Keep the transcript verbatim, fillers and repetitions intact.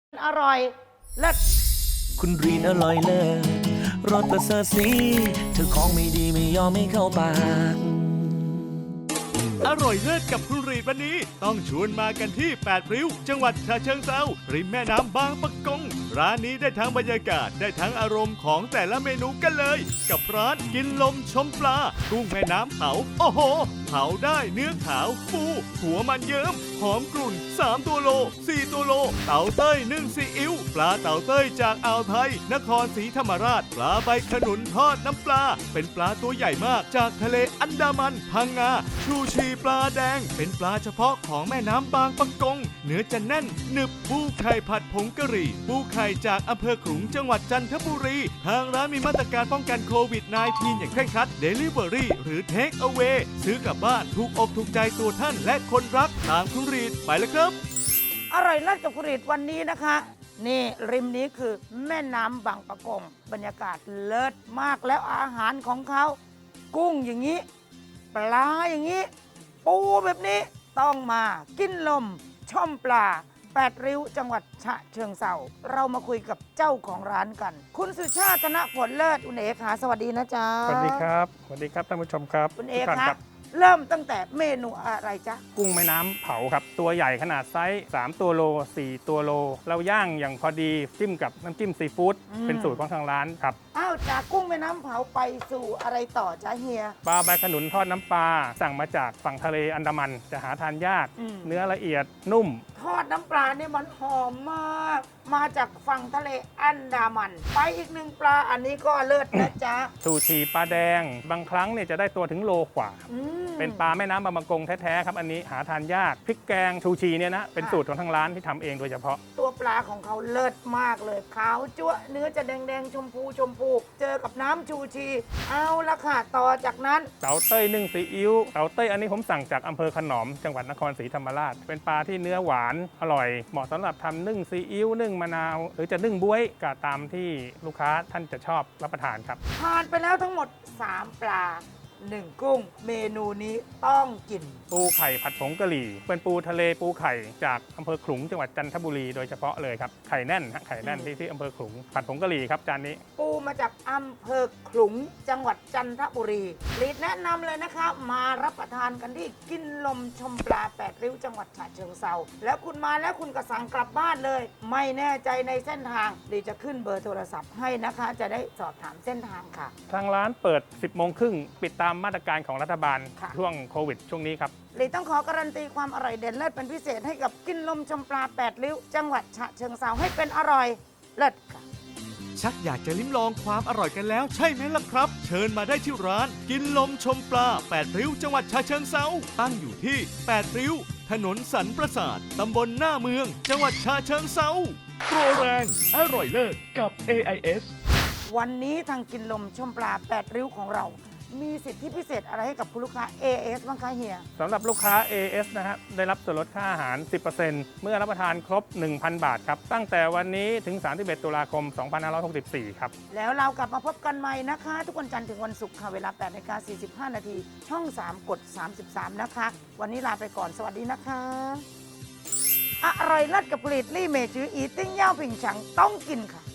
อร่อยเลิศคุณรีนอร่อยเลิศรสประเสริฐสีเธอของไม่ดีไม่ยอมไม่เข้าปากอร่อยเลิศกับคุณรีดวันนี้ต้องชวนมากันที่แปดริ้วจังหวัดฉะเชิงเทราริมแม่น้ำบางปะกงร้านนี้ได้ทั้งบรรยากาศได้ทั้งอารมณ์ของแต่ละเมนูกันเลย กับร้านกินลมชมปลากุ้งแม่น้ำเผาโอ้โหเผาได้เนื้อขาวฟูหัวมันเยิ้มหอมกรุ่นสามตัวโลสี่ตัวโลเต่าเต้ยนึ่งซีอิ๊วปลาเต่าเต้ยจากอ่าวไทยนครศรีธรรมราชปลาใบขนุนทอดน้ำปลาเป็นปลาตัวใหญ่มากจากทะเลอันดามันพังงาชูชีปลาแดงเป็นปลาเฉพาะของแม่น้ำบางปะกงเนื้อจะแน่นหนึบปูไข่ผัดผงกะหรี่ปูไข่จากอำเภอขลุงจังหวัดจันทบุรีทางร้านมีมาตรการป้องกันโควิด สิบเก้า อย่างเคร่งครัด Delivery หรือ Take Away ซื้อกลับบ้านถูกอกถูกใจตัวท่านและคนรักตามคุณรีดไปแล้วครับอร่อยเลิศกับคุณรีดวันนี้นะคะนี่ริมนี้คือแม่น้ำบางปะกงบรรยากาศเลิศมากแล้วอาหารของเขากุ้งอย่างนี้ปลาอย่างนี้ปูแบบนี้ต้องมากินลมช่อมปลาแปดริ้วจังหวัดฉะเชิงเทราเรามาคุยกับเจ้าของร้านกัน คุณสุชาติธนผลเลิศคุณเอ๋ขาสวัสดีนะจ๊ะสวัสดีครับสวัสดีครับท่านผู้ชมครับคุณเอ๋ทุกท่านคะรับเริ่มตั้งแต่เมนูอะไรจ๊ะกุ้งแม่น้ำเผาครับตัวใหญ่ขนาดไซส์สามตัวโลสี่ตัวโล เราย่างอย่างพอดีจิ้มกับน้ำจิ้มซีฟู้ดเป็นสูตรของทางร้านครับอ้าวจากกุ้งแม่น้ำเผาไปสู่อะไรต่อจ๊ะเฮียปลาใบขนุนทอดน้ำปลาสั่งมาจากฝั่งทะเลอันดามันจะหาทานยากอืมเนื้อละเอียดนุ่มทอดน้ำปลาเนี่ยมันหอมมาก มาจากฝั่งทะเลอันดามัน ไปอีกหนึ่งปลาอันนี้ก็เลิศนะจ๊ะซูชีปลาแดง บางครั้งเนี่ยจะได้ตัวถึงโลกว่าอืมเป็นปลาแม่น้ำบางปะกงแท้ๆครับอันนี้หาทานยากพริกแกงชูชีเนี่ยนะเป็นสูตรของทางร้านที่ทำเองโดยเฉพาะตัวปลาของเขาเลิศมากเลยขาวจั๊วะเนื้อจะแดงๆ ชมพูชมพู เจอกับน้ำชูชี เอาละค่ะ ต่อจากนั้นเต่าเต้ยนึ่งซีอิ๊วเต่าเต้ยอันนี้ผมสั่งจากอำเภอขนอมจังหวัดนครศรีธรรมราช เป็นปลาที่เนื้อหวานอร่อย เหมาะสำหรับทำนึ่งซีอิ๊วนึ่งมะนาว หรือจะนึ่งบ๊วยก็ตามที่ลูกค้าท่านจะชอบรับประทานครับผ่านไปแล้วทั้งหมดสามปลาหนึ่งกุ้ง เมนูนี้ต้องกินปูไข่ผัดผงกะหรี่ เป็นปูทะเลปูไข่จากอำเภอขลุงจังหวัดจันทบุรีโดยเฉพาะเลยครับไข่แน่นฮะไข่แน่นที่ที่อำเภอขลุงผัดผงกะหรี่ครับจานนี้ปูมาจากอำเภอขลุงจังหวัดจันทบุรีรีดแนะนำเลยนะคะมารับประทานกันที่กินลมชมปลาแปดริ้วจังหวัดฉะเชิงเทราแล้วคุณมาแล้วคุณก็สั่งกลับบ้านเลย ไม่แน่ใจในเส้นทางรีดจะขึ้นเบอร์โทรศัพท์ให้นะคะ จะได้สอบถามเส้นทางค่ะทางร้านเปิด สิบโมงครึ่งปิดตามมาตรการของรัฐบาลค่ะช่วงโควิดช่วงนี้ครับรีดต้องขอการันตีความอร่อยเด่นเลิศเป็นพิเศษให้กับกินลมชมปลาแปดริ้วจังหวัดฉะเชิงเทราให้เป็นอร่อยเลิศค่ะชักอยากจะลิ้มลองความอร่อยกันแล้วใช่ไหมล่ะครับ เชิญมาได้ที่ร้าน กินลมชมปลาแปดริ้วจังหวัดฉะเชิงเทราตั้งอยู่ที่แปดริ้ว ถนนสันประสาทตำบลหน้าเมือง จังหวัดฉะเชิงเทราโปรแรงอร่อยเลิศกับ เอ ไอ เอสวันนี้ทางกินลมชมปลาแปดริ้วของเรา มีสิทธิพิเศษอะไรให้กับคุณลูกค้า เอ เอส บ้างคะเฮียสำหรับลูกค้า เอ เอส นะฮะได้รับส่วนลดค่าอาหาร สิบเปอร์เซ็นต์ เมื่อรับประทานครบ หนึ่งพัน บาทครับ ตั้งแต่วันนี้ถึง สามสิบเอ็ด ตุลาคม สองพันห้าร้อยหกสิบสี่ ครับแล้วเรากลับมาพบกันใหม่นะคะ ทุกวันจันทร์ถึงวันศุกร์ค่ะ เวลา แปดนาฬิกาสี่สิบห้า นาที ช่อง สาม กด สามสิบสาม นะคะ วันนี้ลาไปก่อนสวัสดีนะคะ อร่อยเลิศกับผลิตลี่เมจืออีติ้งเย่าผิงฉังต้องกินค่ะ